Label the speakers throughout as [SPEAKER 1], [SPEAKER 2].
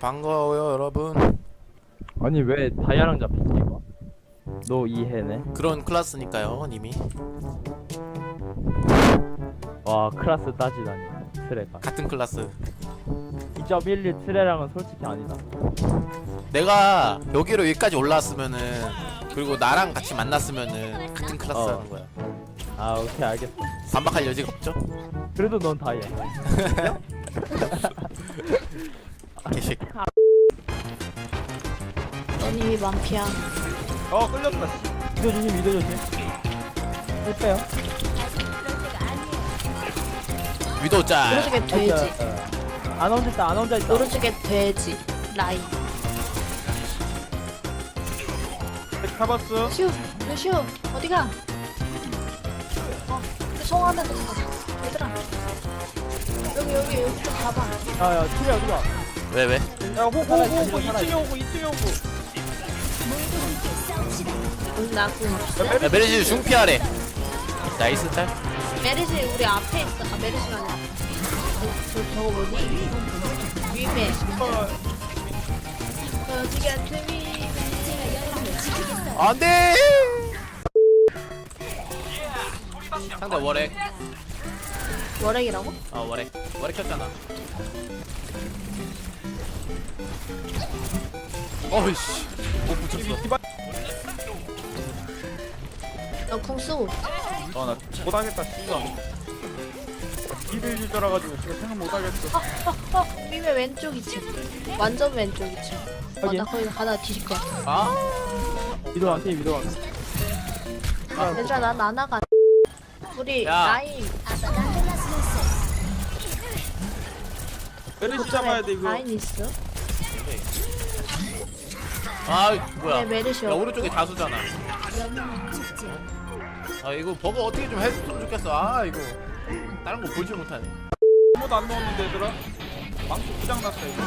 [SPEAKER 1] 반가워요 여러분.
[SPEAKER 2] 아니 왜 다이아랑 잡히지 이거? 너 이해네?
[SPEAKER 1] 그런 클래스니까요 님이.
[SPEAKER 2] 와 클라스 따지다니 트레가
[SPEAKER 1] 같은 클래스.
[SPEAKER 2] 2.11 트레랑은 솔직히 아니다.
[SPEAKER 1] 내가 여기로 여기까지 올라왔으면은, 그리고 나랑 같이 만났으면은 같은 클래스 하는 거야.
[SPEAKER 2] 아 오케이 알겠어.
[SPEAKER 1] 반박할 여지가 없죠?
[SPEAKER 2] 그래도 넌 다이아.
[SPEAKER 1] 개식.
[SPEAKER 3] 너님이 만피야.
[SPEAKER 4] 끌렸다.
[SPEAKER 2] 미도 조심 미도 조심. 빼요.
[SPEAKER 1] 위도우 짤.
[SPEAKER 3] 오른쪽에 돼지.
[SPEAKER 2] 안 혼자 있다 안 혼자 있다.
[SPEAKER 3] 오른쪽에 돼지. 라인.
[SPEAKER 4] 잡았어.
[SPEAKER 3] 슈, 슈, 어디가? 송 안에서 가. 얘들아. 여기 좀 가봐.
[SPEAKER 2] 야야 트레 어디가?
[SPEAKER 1] 왜?
[SPEAKER 4] 야, 호구, 2층에 오고, 2층에 오고.
[SPEAKER 3] 나궁 없어.
[SPEAKER 1] 야, 메르시 중피하래. 나이스 짤.
[SPEAKER 3] 메르시 우리 앞에 있어. 아 메르시가 아니라. 저거 뭐니? 위메. 어디가 트위?
[SPEAKER 1] 안돼. 상대 월액.
[SPEAKER 3] 월액이라고?
[SPEAKER 1] 월액 켰잖아. 어이씨. 못 붙였어.
[SPEAKER 3] 너궁 쓰고.
[SPEAKER 4] 나 못하겠다, 씨발. 일을 줄 줄 알아가지고 지금 생각 못하겠어.
[SPEAKER 3] 위메 왼쪽 2층. 완전 왼쪽 2층.
[SPEAKER 2] 확인.
[SPEAKER 3] 나 거기 가다 뒤질 것 같아.
[SPEAKER 1] 아.
[SPEAKER 2] 미도 안 돼, 미도 안 돼.
[SPEAKER 3] 얘들아 난 나나가. 우리
[SPEAKER 1] 야.
[SPEAKER 3] 라인.
[SPEAKER 4] 메르시 잡아야 돼, 이거.
[SPEAKER 3] 라인 있어?
[SPEAKER 1] 뭐야?
[SPEAKER 3] 네, 메르시
[SPEAKER 1] 야
[SPEAKER 3] 없고.
[SPEAKER 1] 오른쪽에 다수잖아. 이거 버거 어떻게 좀 해줬으면 좋겠어. 이거 다른 거 보지 못하네.
[SPEAKER 4] 아무도 안 넣었는데, 얘들아. 망치 부장났어, 이거.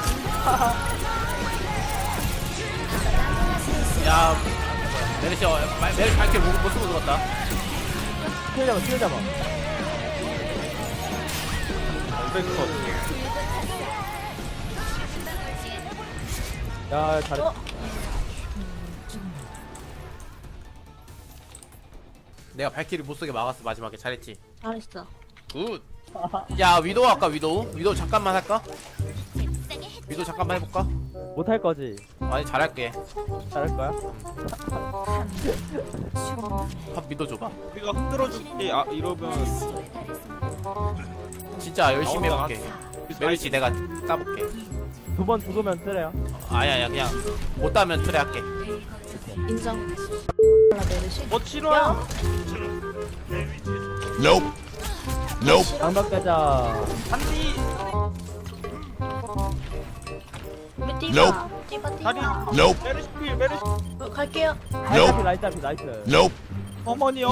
[SPEAKER 1] 야 메르시 메르시 밝게 못 쓰고 들어갔다.
[SPEAKER 2] 트레 잡아 트레 잡아.
[SPEAKER 4] 백컷.
[SPEAKER 2] 야 잘했어.
[SPEAKER 1] 내가 발키리 못 쓰게 막았어. 마지막에 잘했지.
[SPEAKER 3] 잘했어.
[SPEAKER 1] 굿. 야 위도우 할까? 위도우 잠깐만 할까? 위도우 잠깐만 해볼까?
[SPEAKER 2] 못할 거지.
[SPEAKER 1] 아니 잘할게.
[SPEAKER 2] 잘할 거야?
[SPEAKER 1] 팝 위도우 줘봐.
[SPEAKER 4] 우리가 흔들어줄게. 이러면.
[SPEAKER 1] 진짜 열심히
[SPEAKER 4] 나온다.
[SPEAKER 1] 해볼게. 메르시 내가 따볼게.
[SPEAKER 2] 두 번 죽으면 트레야.
[SPEAKER 1] 아니야 그냥 못 따면 트레 할게.
[SPEAKER 3] 인정. 몰라 메르시.
[SPEAKER 4] 싫어요.
[SPEAKER 2] 장박 가자.
[SPEAKER 4] 한디.
[SPEAKER 3] 우리 띠바.
[SPEAKER 4] 다리. 메르시 필, 메르시.
[SPEAKER 3] 갈게요.
[SPEAKER 2] 라이트 앞이 나이스.
[SPEAKER 4] 어머니.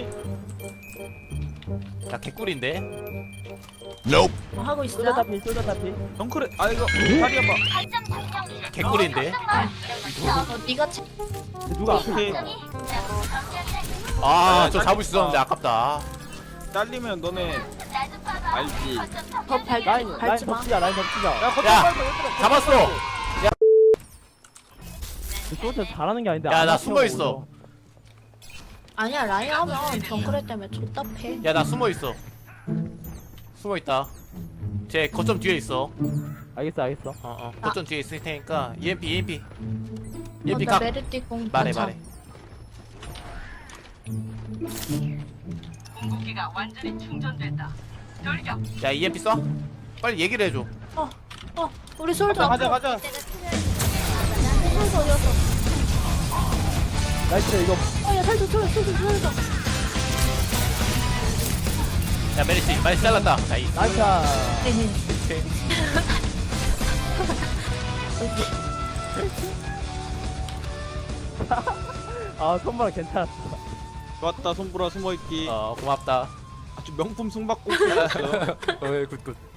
[SPEAKER 1] 야 개꿀인데.
[SPEAKER 3] 하고 있어.
[SPEAKER 2] 쏠자 tap이 쏠자 tap이.
[SPEAKER 4] 덩크레. 이거. 다리 아파.
[SPEAKER 1] 개꿀인데.
[SPEAKER 3] 네가 채.
[SPEAKER 2] 누가 앞에
[SPEAKER 4] 오케이.
[SPEAKER 2] 있어?
[SPEAKER 1] 저 잡을 수 있었는데 아깝다.
[SPEAKER 4] 잘리면 너네 알지.
[SPEAKER 3] 더 밟지
[SPEAKER 2] 라인
[SPEAKER 3] 밟지 마.
[SPEAKER 2] 덮치자 라인 덮치자.
[SPEAKER 4] 야, 걷다
[SPEAKER 1] 야,
[SPEAKER 4] 말고 얘들아.
[SPEAKER 1] 잡았어.
[SPEAKER 2] 쏠자 잘하는 게 아닌데.
[SPEAKER 1] 야,
[SPEAKER 2] 안
[SPEAKER 1] 나
[SPEAKER 2] 앞으로
[SPEAKER 1] 숨어 있어.
[SPEAKER 2] 오죠.
[SPEAKER 3] 아니야 라인 하면 정크레 때문에 좆답해.
[SPEAKER 1] 야 나 숨어 있어. 숨어 있다. 쟤 거점 뒤에 있어.
[SPEAKER 2] 알겠어.
[SPEAKER 1] 거점 뒤에 있을 테니까 EMP
[SPEAKER 3] 나
[SPEAKER 1] 각.
[SPEAKER 3] 메르띠 공
[SPEAKER 1] 말해.
[SPEAKER 5] 무기가 완전히 충전됐다. 돌격.
[SPEAKER 1] 야 EMP 쏴. 빨리 얘기를 해줘.
[SPEAKER 3] 우리 솔도
[SPEAKER 4] 가자.
[SPEAKER 3] 솔도 어디였어?
[SPEAKER 2] 나이스 이거.
[SPEAKER 3] 야 솔도.
[SPEAKER 1] 야 메리시 잘랐다. 나이스.
[SPEAKER 2] 나이스.
[SPEAKER 1] 오케이.
[SPEAKER 2] 손바닥 괜찮았어.
[SPEAKER 4] 좋았다, 손보라 숨어있기.
[SPEAKER 1] 고맙다.
[SPEAKER 4] 아주 명품 숨바꼭질 했어.
[SPEAKER 1] 굿.